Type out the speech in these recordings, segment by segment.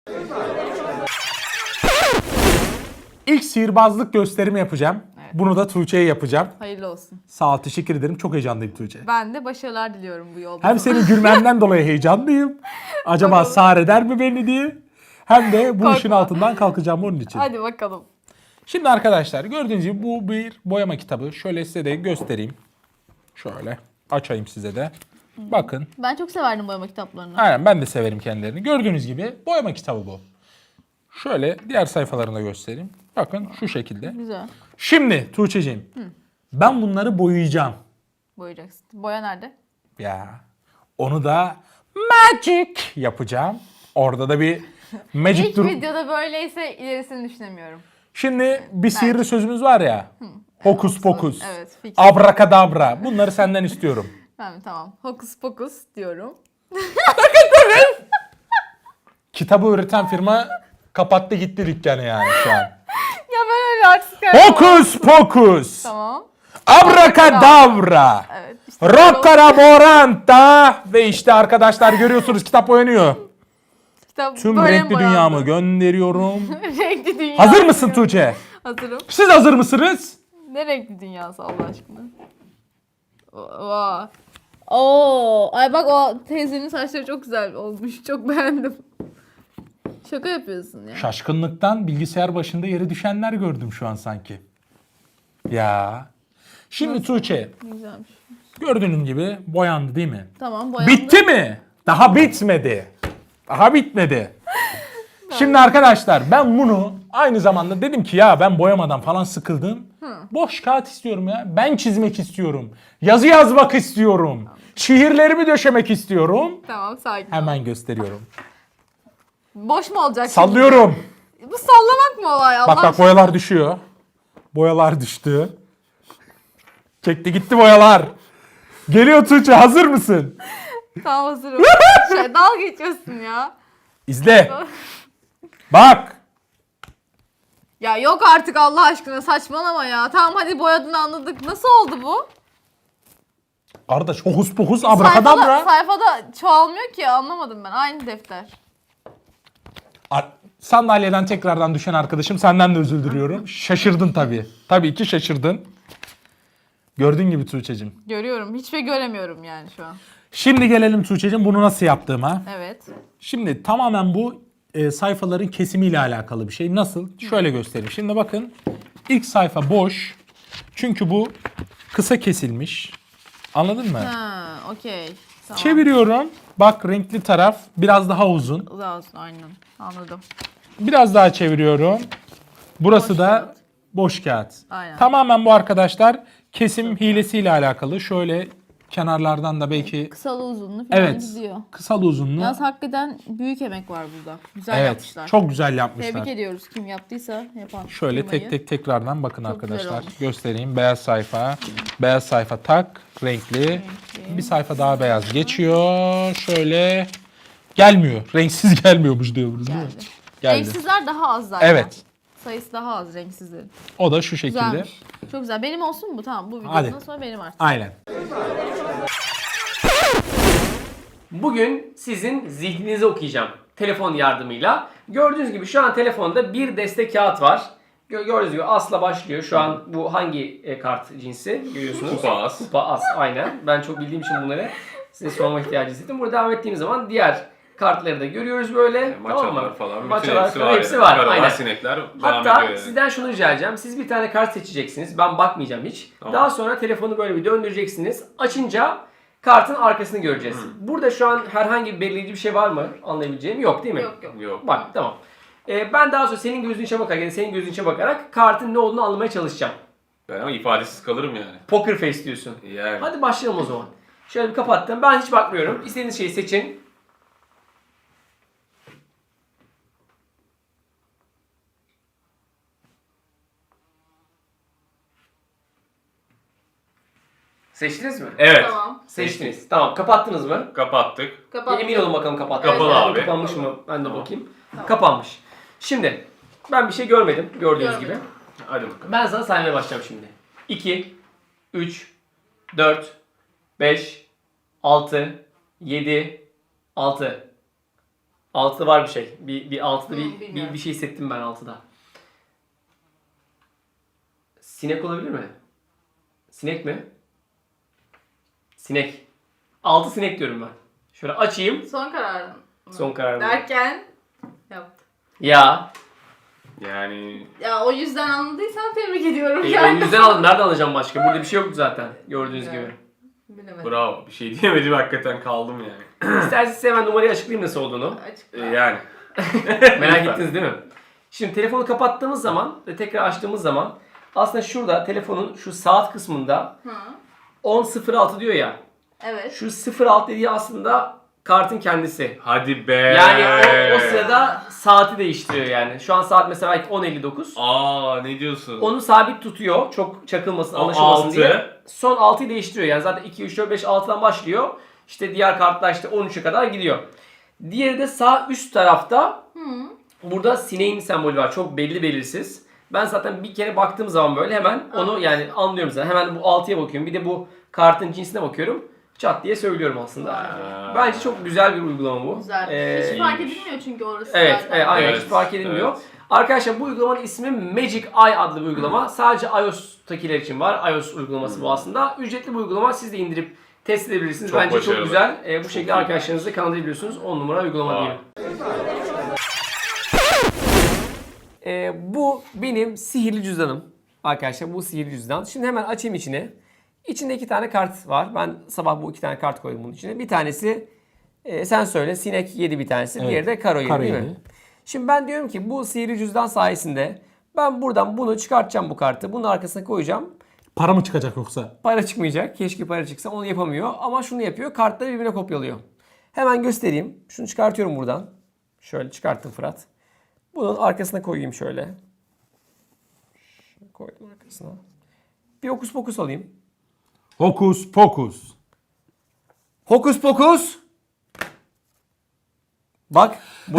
İlk sihirbazlık gösterimi yapacağım. Evet. Bunu da Tuğçe'ye yapacağım. Hayırlı olsun. Sağ ol, teşekkür ederim. Çok heyecanlıyım Tuğçe. Ben de başarılar diliyorum bu yolda. Hem senin gülmenden dolayı heyecanlıyım. Acaba Bakalım. sağır eder mi beni diye. Hem de bu Korkma. işin altından kalkacağım onun için. Hadi bakalım. Şimdi arkadaşlar gördüğünüz gibi bu bir boyama kitabı. Şöyle size de göstereyim. Şöyle açayım size de. Bakın. Ben çok severdim boyama kitaplarını. Aynen, ben de severim kendilerini. Gördüğünüz gibi boyama kitabı bu. Şöyle diğer sayfalarını da göstereyim. Bakın şu şekilde. Güzel. Şimdi Tuğçe'cim ben bunları boyayacağım. Boyayacaksın. Boya nerede? Ya onu da magic yapacağım. Orada da bir magic İlk durum. videoda böyleyse ilerisini düşünemiyorum. Şimdi bir sihirli sözümüz var ya. Hokus pokus. Evet. Fix. Abrakadabra. Bunları senden istiyorum. Tamam. Hokus pokus diyorum. Kitabı üreten firma kapattı gitti dükkanı yani şu an. Ya ben öyle artistik yapamam. Hokus pokus. Tamam. Abrakadabra. Evet. İşte Rokkaraboranta. Ve işte arkadaşlar görüyorsunuz kitap oynanıyor. kitap Tüm böyle renkli boyandı. dünyamı gönderiyorum. Renkli dünya. Hazır mısın Tuğçe? Hazırım. Siz hazır mısınız? Ne renkli dünyası Allah aşkına? Vay. Oo, ay bak o teyzenin saçları çok güzel olmuş. Çok beğendim. Şaka yapıyorsun ya. Şaşkınlıktan bilgisayar başında yere düşenler gördüm şu an sanki. Ya. Şimdi Tuğçe, Güzelmiş. gördüğünüz gibi boyandı değil mi? Tamam boyandı. Bitti mi? Daha bitmedi. Daha bitmedi. Şimdi arkadaşlar ben bunu aynı zamanda dedim ki ya ben boyamadan falan sıkıldım. Boş kağıt istiyorum ya. Ben çizmek istiyorum. Yazı yazmak istiyorum. Şiirlerimi döşemek istiyorum. Tamam sakin ol. Hemen gösteriyorum. Boş mu olacak şimdi? Sallıyorum. Bu sallamak mı olay Allah Bak bak aşkına? boyalar düşüyor. Boyalar düştü. Çekti gitti boyalar. Geliyor Tuğçe, hazır mısın? Tamam hazırım. Dalga geçiyorsun ya. İzle. Bak. Ya yok artık Allah aşkına saçmalama ya. Tamam hadi boyadığını anladık. Nasıl oldu bu? Kardeş hokus pokus abrakadabra. Sayfada çoğalmıyor ki anlamadım ben. Aynı defter. Sandalyeden tekrardan düşen arkadaşım, senden de özür diliyorum. Şaşırdın tabii. Tabii ki şaşırdın. Gördüğün gibi Tuğçe'cim. Görüyorum. Hiçbir şey göremiyorum yani şu an. Şimdi gelelim Tuğçe'cim bunu nasıl yaptığıma. Evet. Şimdi tamamen bu sayfaların kesimiyle alakalı bir şey. Nasıl? Şöyle göstereyim. Şimdi bakın ilk sayfa boş. Çünkü bu kısa kesilmiş. Anladın mı? Ha, okey. Tamam. Çeviriyorum. Bak renkli taraf biraz daha uzun. Uzak olsun aynen. Anladım. Biraz daha çeviriyorum. Burası Boş da kağıt. boş kağıt. Aynen. Tamamen bu arkadaşlar kesim hilesiyle alakalı. Şöyle kenarlardan da belki Kısalı uzunlu falan evet gidiyor. kısalı uzunlu. Yalnız hakikaten büyük emek var burada. Güzel Evet yapmışlar. çok güzel yapmışlar. Tebrik ediyoruz kim yaptıysa yapan. Şöyle firmayı. tek tekrardan bakın Çok güzel arkadaşlar. olmuş. Göstereyim. Beyaz sayfa. Beyaz sayfa tak. Renkli. Bir sayfa daha beyaz geçiyor. Şöyle. Gelmiyor. Renksiz gelmiyormuş diyoruz değil mi? Geldi. Geldi. Renksizler daha az zaten. Evet. Sayısı daha az renksizlerin. O da şu şekilde. Güzelmiş. Çok güzel. Benim olsun mu bu? Tamam bu videodan Hadi. sonra benim artık. Aynen. Bugün sizin zihninizi okuyacağım telefon yardımıyla. Gördüğünüz gibi şu an telefonda bir deste kağıt var. Gördüğünüz gibi asla başlıyor. Şu an bu hangi kart cinsi görüyorsunuz? Kupa as. Kupa as aynen. Ben çok bildiğim için bunları size sorma ihtiyacı hissettim. Burada devam ettiğimiz zaman diğer kartları da görüyoruz böyle. Maçalar tamam mı? falan. Maçalar Bütün falan hepsi var. Karalar, Aynen. sinekler devam Hatta ediyor yani. sizden şunu rica edeceğim. Siz bir tane kart seçeceksiniz. Ben bakmayacağım hiç. Tamam. Daha sonra telefonu böyle bir döndüreceksiniz. Açınca kartın arkasını göreceğiz. Burada şu an herhangi bir belirleyici bir şey var mı? Anlayabileceğim yok değil mi? Yok yok. Yok. Bak tamam. Ben daha sonra senin gözün içine bakarak yani senin gözün içine bakarak kartın ne olduğunu anlamaya çalışacağım. Ben ama ifadesiz kalırım yani. Poker face diyorsun. Yani. Hadi başlayalım o zaman. Şöyle bir kapattım. Ben hiç bakmıyorum. İstediğiniz şeyi seçin. Seçtiniz mi? Evet. Tamam. Seçtiniz. Tamam. Kapattınız mı? Kapattık. Kapat. Emin olun bakalım kapattınız. Kapalı mı? abi. Kapanmış mı? Ben de Tamam. bakayım. Tamam. Kapanmış. Şimdi ben bir şey görmedim gördüğünüz Görmedim. gibi. Hadi bakalım. Ben sana saymaya başlayacağım şimdi. 2, 3, 4, 5, 6, 7, 6. Altıda var bir şey. Bir altıda bilmiyorum. bir şey hissettim ben altıda. Sinek olabilir mi? Sinek mi? Sinek. 6 sinek diyorum ben. Şöyle açayım. Son kararın mı? Son kararım. Derken yaptım. Ya. Yani Ya o yüzden anladıysan tebrik ediyorum O yani. yüzden aldım. Nereden alacağım başka? Burada bir şey yoktu zaten. Gördüğünüz Evet. gibi. Bilemedim. bravo. Bir şey diyemedim, hakikaten kaldım yani. İsterseniz size hemen numarayı açıklayayım nasıl olduğunu. Açıkla. Yani. Merak ettiniz değil mi? Şimdi telefonu kapattığımız zaman ve tekrar açtığımız zaman aslında şurada telefonun şu saat kısmında Hı. 10.06 diyor ya. Evet. Şu 06 dediği aslında kartın kendisi. Hadi be. Yani o sırada saati değiştiriyor yani. Şu an saat mesela belki 10.59. Aa, ne diyorsun? Onu sabit tutuyor. Çok çakılmasın, O anlaşılmasın 6. diye. Son 6'yı değiştiriyor. Yani zaten 2, 3, 4, 5, 6'dan başlıyor. İşte diğer kartlar işte 13'e kadar gidiyor. Diğeri de sağ üst tarafta burada sineğin sembolü var. Çok belli belirsiz. Ben zaten bir kere baktığım zaman böyle hemen onu yani anlıyorum zaten. Hemen bu 6'ya bakıyorum. Bir de bu kartın cinsine bakıyorum. Çat diye söylüyorum aslında. Aa. Bence çok güzel bir uygulama bu. Güzel. Hiç fark edilmiyor çünkü orası Evet, zaten. aynen Evet, hiç fark edilmiyor. evet. Arkadaşlar bu uygulamanın ismi Magic Eye adlı bir uygulama. Sadece iOS'takiler için var. iOS uygulaması bu aslında. Ücretli bir uygulama. Siz de indirip test edebilirsiniz. Çok Bence çok başarılı. güzel. Bu şekilde iyi. arkadaşlarınızla kanallayabiliyorsunuz. 10 numara uygulama Aa. diyeyim. Bu benim sihirli cüzdanım. Arkadaşlar bu sihirli cüzdan. Şimdi hemen açayım içine. İçinde 2 tane kart var. Ben sabah bu 2 tane kart koydum bunun içine. Bir tanesi sen söyle sinek yedi bir tanesi. Evet. Diğeri de karo yedi Karo değil yedi. mi? Şimdi ben diyorum ki bu sihirli cüzdan sayesinde ben buradan bunu çıkartacağım bu kartı. Bunun arkasına koyacağım. Para mı çıkacak yoksa? Para çıkmayacak. Keşke para çıksa. Onu yapamıyor. Ama şunu yapıyor. Kartları birbirine kopyalıyor. Hemen göstereyim. Şunu çıkartıyorum buradan. Şöyle çıkarttım Fırat. Bunun arkasına koyayım şöyle. Şöyle koydum arkasına. Bir hokus pokus alayım. Hokus pokus. Hokus pokus. Bak.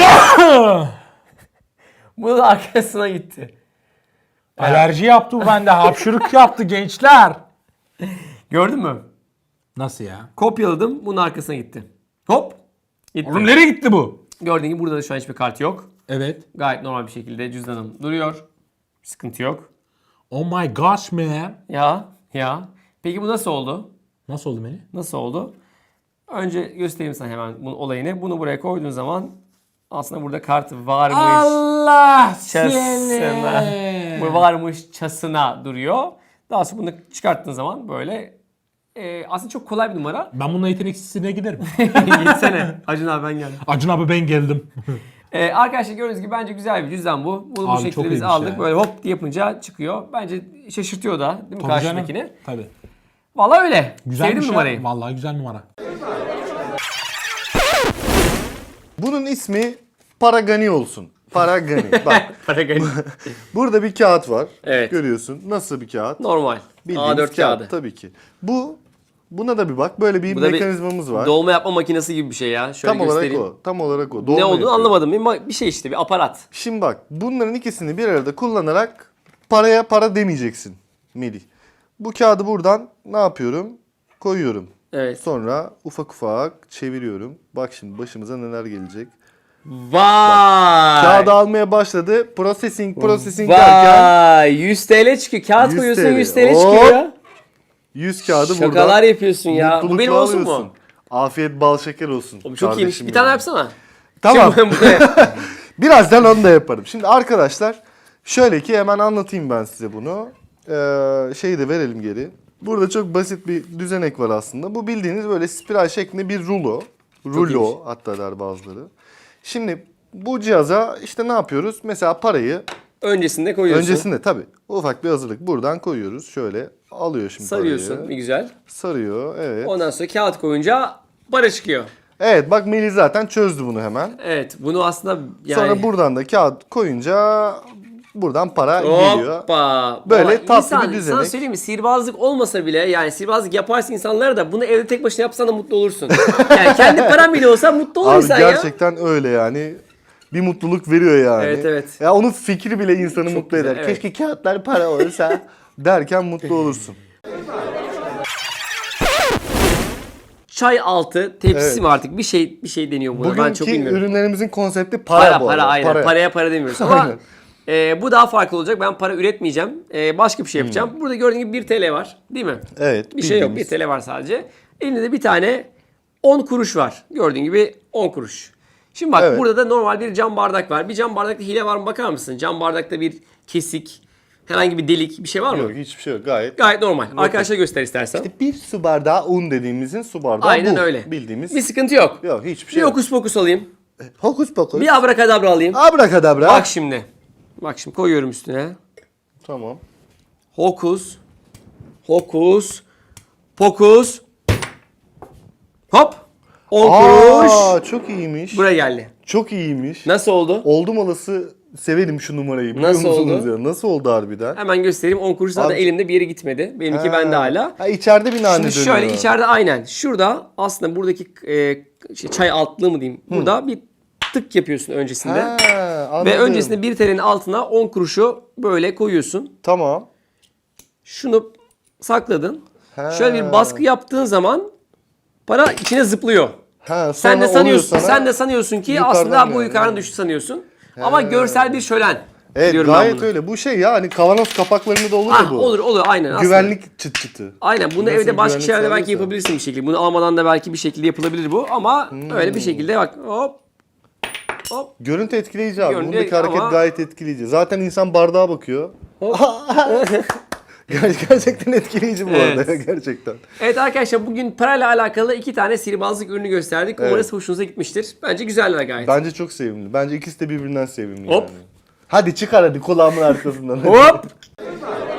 Bunun arkasına gitti. Alerji yaptı bu bende. Hapşırık yaptı gençler. Gördün mü? Nasıl ya? Kopyaladım. Bunun arkasına gitti. Hop. Gitti. Oğlum nereye gitti bu? Gördüğün gibi burada da şu an hiçbir kart yok. Evet. Gayet normal bir şekilde cüzdanım duruyor. Sıkıntı yok. Oh my gosh man. Ya. Peki bu nasıl oldu? Nasıl oldu beni? Nasıl oldu? Önce göstereyim sana hemen bunun olayını. Bunu buraya koyduğun zaman aslında burada kart varmış. Allah Çasına. seni. Bu varmış çasına duruyor. Daha sonra bunu çıkarttığın zaman böyle aslında çok kolay bir numara. Ben bununla yeteneksizliğine giderim. Gitsene. Acun abi ben geldim. Acun abi ben geldim. Arkadaşlar gördüğünüz gibi bence güzel bir cüzdan bu. Bunu bu Abi şekilde çok biz iyiymiş aldık. ya. Böyle hop diye yapınca çıkıyor. Bence şaşırtıyor da değil mi Tabii canım. karşıdakini? Tabii. Vallahi öyle. Güzelmiş Sevdim ya. numarayı. Vallahi güzel numara. Bunun ismi Paragani olsun. Paragani. Bak Paragani. burada bir kağıt var. Evet. Görüyorsun. Nasıl bir kağıt? Normal. Bildiğimiz A4 kağıt kağıdı. tabii ki. Buna da bir bak. Böyle bir Bu da bir mekanizmamız var. Dolma yapma makinesi gibi bir şey ya. Şöyle Tam olarak göstereyim. o. Tam olarak o. Ne Dolma olduğunu yapıyor. anlamadım. Bir şey işte bir aparat. Şimdi bak bunların ikisini bir arada kullanarak paraya para demeyeceksin Melih. Bu kağıdı buradan ne yapıyorum? Koyuyorum. Evet. Sonra ufak ufak çeviriyorum. Bak şimdi başımıza neler gelecek. Vay. Kağıdı almaya başladı. Processing derken Vay. 100 TL çıkıyor. Kağıt 100 koyuyorsun TL. 100 TL çıkıyor Hop. ya. 100 kağıdı Şakalar buradan yapıyorsun ya. Bu mutlulukla benim olsun alıyorsun. mu? Afiyet bal şeker olsun. Oğlum çok iyiymiş. kardeşim Bir tane benim. yapsana. Tamam. Şimdi buraya- Birazdan onu da yaparım. Şimdi arkadaşlar şöyle ki hemen anlatayım ben size bunu. Şeyi de verelim geri. Burada çok basit bir düzenek var aslında. Bu bildiğiniz böyle spiral şeklinde bir rulo. iyiymiş. Rulo hatta der bazıları. Şimdi bu cihaza işte ne yapıyoruz? Mesela parayı Öncesinde koyuyorsun. öncesinde tabii ufak bir hazırlık buradan koyuyoruz. Şöyle alıyor şimdi Sarıyorsun. parayı. Bir güzel. Sarıyor evet. Ondan sonra kağıt koyunca para çıkıyor. Evet bak Melih zaten çözdü bunu hemen. Evet. Bunu aslında yani... Sonra buradan da kağıt koyunca buradan para geliyor. Hoppa. Böyle Vallahi tatlı insan, bir düzenek. Sana söyleyeyim mi? Sihirbazlık olmasa bile yani sihirbazlık yaparsın insanlara da bunu evde tek başına yapsan da mutlu olursun. Yani kendi paran bile olsa mutlu olur Abi insan ya. gerçekten öyle yani. Bir mutluluk veriyor yani. Evet, evet. Ya onun fikri bile insanı Çok mutlu güzel, eder. evet. Keşke kağıtlar para olsa derken mutlu olursun. çay altı tepsi Evet. mi artık bir şey deniyor buna. Ben çok Bugünkü bilmiyorum. ürünlerimizin konsepti para, bu arada. Aynen. Para. Paraya para demiyoruz. Ama Aynen. bu daha farklı olacak. Ben para üretmeyeceğim. Başka bir şey yapacağım. Burada gördüğün gibi 1 TL var. Değil mi? Evet. Bir şey yok. 1 bildiğimiz. TL var sadece. Elinde de bir tane 10 kuruş var. Gördüğün gibi 10 kuruş. Şimdi bak Evet. burada da normal bir cam bardak var. Bir cam bardakta hile var mı bakar mısın? Cam bardakta bir kesik, herhangi bir delik bir şey var mı? Yok, hiçbir şey yok. Gayet. Gayet normal. Arkadaşlar göster istersen. Bir su bardağı un dediğimizin su bardağı Aynen bu. öyle. Bildiğimiz. Bir sıkıntı yok. Yok, hiçbir Bir şey yok. hokus pokus alayım. Hokus pokus. Bir abrakadabra alayım. Abrakadabra. Bak şimdi. Bak şimdi koyuyorum üstüne. Tamam. Hokus. Hokus. Pokus. Hop. 10 kuruş. Aa, çok iyiymiş. Buraya geldi. Çok iyiymiş. Nasıl oldu? Oldum olası severim şu numarayı. Biliyor Nasıl musunuz oldu? Ya? Nasıl oldu harbiden? Hemen göstereyim. 10 kuruş zaten Abi- elimde bir yere gitmedi. Benimki bende hala. Ha, içeride bir nane Şimdi dönüyor. şöyle içeride aynen. Şurada aslında buradaki çay altlığı mı diyeyim. Burada bir tık yapıyorsun öncesinde. Ha, Ve anladım. öncesinde 1 TL'nin altına 10 kuruşu böyle koyuyorsun. Tamam. Şunu sakladın. Ha. Şöyle bir baskı yaptığın zaman para içine zıplıyor. Ha, Sen sonra de sanıyorsun, oluyor sana. sen de sanıyorsun ki yukarıdan aslında bu geliyor. yukarıdan düştü sanıyorsun. Ama görsel bir şölen. Evet, diyorum ben gayet bunu. öyle. Bu şey ya hani kavanoz kapaklarında da olur ya Ah, bu. olur aynen aslında. Güvenlik çıt çıtı. Aynen bunu Nasıl evde başka güvenlik şeylerde belki sağlıyorsa. yapabilirsin bir şekilde. Bunu almadan da belki bir şekilde yapılabilir bu ama öyle bir şekilde bak hop hop Görüntü etkileyici abi. Görüntü Bundaki hareket ama- gayet etkileyici. Zaten insan bardağa bakıyor. hop. Gerçekten etkileyici bu Evet. arada. Gerçekten. Evet arkadaşlar bugün parayla alakalı 2 tane sihirbazlık ürünü gösterdik. Umarız Evet. hoşunuza gitmiştir. Bence güzeller gayet. Bence çok sevimli. Bence ikisi de birbirinden sevimli Hop. yani. Hadi çıkar hadi kulağımın arkasından. Hop.